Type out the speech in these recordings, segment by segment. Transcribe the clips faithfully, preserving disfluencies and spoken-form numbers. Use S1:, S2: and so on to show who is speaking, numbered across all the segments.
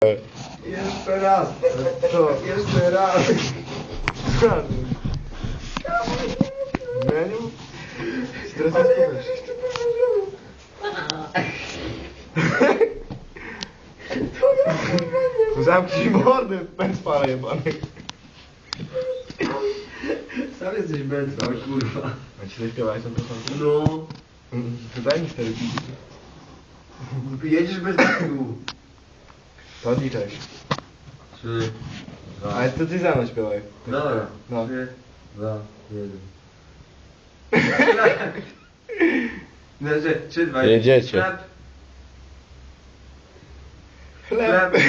S1: Jeszcze raz. Co? Jeszcze raz. Meniu? Stres jest Zamknij mordę, pęcpala jebany.
S2: Sam jesteś mętwa, kurwa.
S1: A ci zaśpiewałeś tam trochę?
S2: No.
S1: To daj mi cztery piki.
S2: Jedziesz bez tyłu.
S1: To odliczaj.
S2: Trzy, dwa.
S1: Ale to ty za mną śpiewaj.
S2: Dobra.
S1: No.
S2: Trzy, dwa, jeden. Znaczy, trzy, dwa, jeden.
S3: Jedziecie.
S2: Chleb.
S1: Chleb.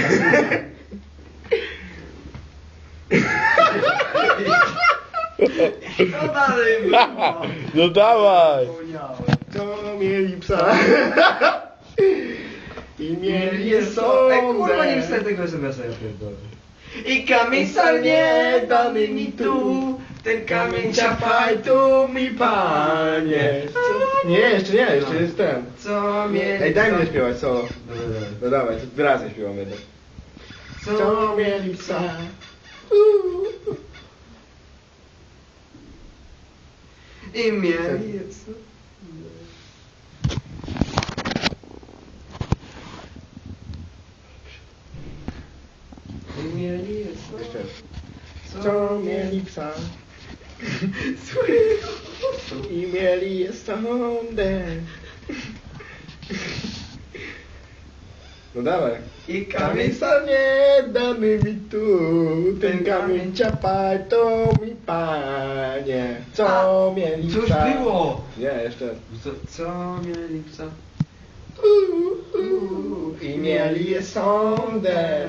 S2: Co dalej było?
S3: No dawaj!
S1: To mieli psa. I mieli je są.
S2: Ej, kurwa, nie wstać tego es em es a, ja pierdolę.
S1: I kamień salnie dany mi tu. Ten kamień ciapaj tu mi panie. Co? Nie, jeszcze nie, jeszcze jest ten.
S2: Co mieli...
S1: Ej, daj mi zaśpiewać solo.
S2: Dobra, dobra.
S1: No dawaj, to razem śpiewamy jednak.
S2: Co
S1: mieli psa.
S2: I mieli... I mieli...
S1: Jeszcze. Co mieli psa. I mieli je sądę. No dawaj.
S2: I
S1: Kamień salnie dany mi tu, ten kamień ciapaj to mi panie. Co mieli
S2: Cóż
S1: psa.
S2: było?
S1: Nie, jeszcze.
S2: Co, co mieli psa?
S1: Uh, uh, I mieli je sądę.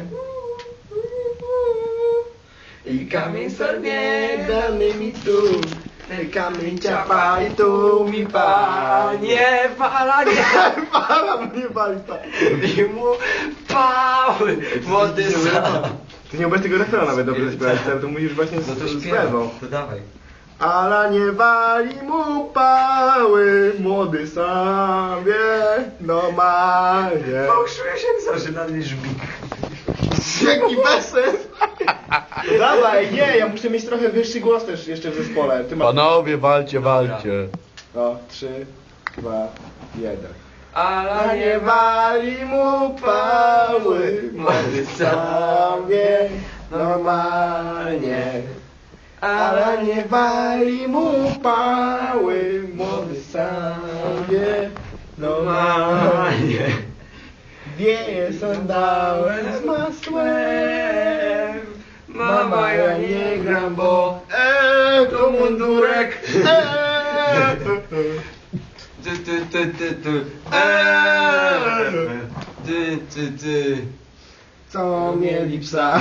S1: I kamień salnie dany mi tu, ten kamień ciapaj tu mi panie.
S2: Nie, fala nie!
S1: Para mnie bali pa.
S2: I mu pały! Młody sam!
S1: Ty nie umiesz tego refrenu nawet dobrze zaśpiewać, to musisz właśnie z,
S2: No to
S1: z
S2: śpiewam.
S1: lewą.
S2: To dawaj.
S1: Ala nie wali mu pały, młody sam wie, normalnie.
S2: Fałszuje się co, że na mnie żbik.
S1: Jaki bezsens! No dawaj, nie, ja muszę mieć trochę wyższy głos też jeszcze w zespole. Ty masz...
S3: Panowie, walcie, walcie.
S1: No, trzy, dwa, jeden.
S2: Ale
S1: nie wali mu pały, młody sam wie, normalnie. Ale nie wali mu pały, młody sam wie, normalnie. Wieje sandałem z masłem. Mama, ja nie gram, bo eee, to mundurek. Eee.
S2: Ty, ty, ty, ty, ty. Eee. Ty, ty, ty.
S1: Co mieli psa?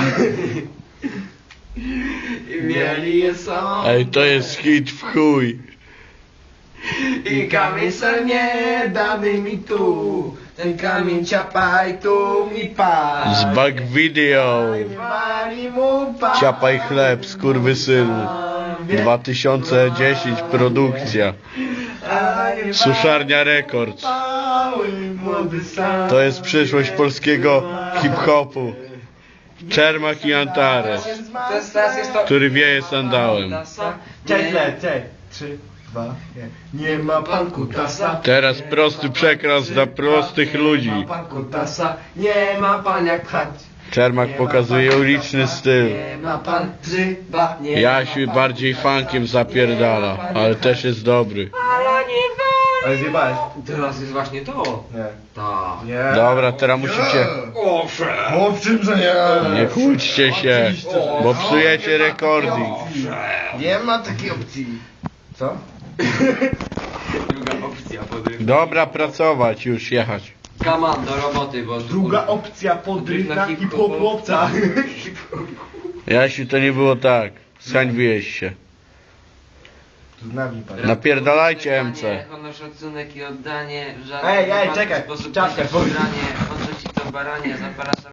S2: I mieli je są.
S3: Ej, to jest hit w chuj.
S2: I kamień salnie dany mi tu. Ten kamień ciapaj tu mi pan.
S3: Z back video.
S1: Wali mu pały.
S3: Ciapaj chleb, skurwysynu. dwa tysiące dziesięć produkcja. Suszarnia Records.
S1: Pały, młody sam.
S3: To jest przyszłość polskiego hip-hopu. Czermak i Antares,
S2: Teraz, teraz jest to...
S3: który wieje sandałem.
S1: Cześć, cześć, cześć. Trzy, dwa, jeden. Nie ma pan kutasa.
S3: Teraz prosty przekaz dla prostych ludzi.
S1: Nie ma pan kutasa. Nie ma pan jak chać.
S3: Czermak pokazuje uliczny styl.
S2: Nie ma pan grzyba, nie
S3: Jasiu bardziej funkiem zapierdala, ale też jest dobry.
S2: Ale nie
S1: Ale zjebałeś.
S2: Teraz jest właśnie to.
S1: Nie.
S2: Tak.
S1: Nie.
S3: Dobra, teraz musicie...
S2: Owszem.
S1: Owszem, że nie.
S3: Nie kłóćcie się, bo psujecie recording.
S1: Nie ma takiej opcji. Co?
S2: Druga opcja podrywka.
S3: Dobra, pracować, już jechać.
S2: Kaman do roboty, bo...
S1: Druga opcja podrywka i popłopca.
S3: Jasiu, to nie było tak. Zhańbiłeś się.
S1: Z nami pan.
S3: Napierdalajcie M C.
S2: Honor, szacunek i oddanie w żaden
S1: Ej, ej,
S2: wypadku
S1: czekaj,
S2: sposób
S1: czapkę,
S2: nie podranie, odrzuci to baranie, zapraszam.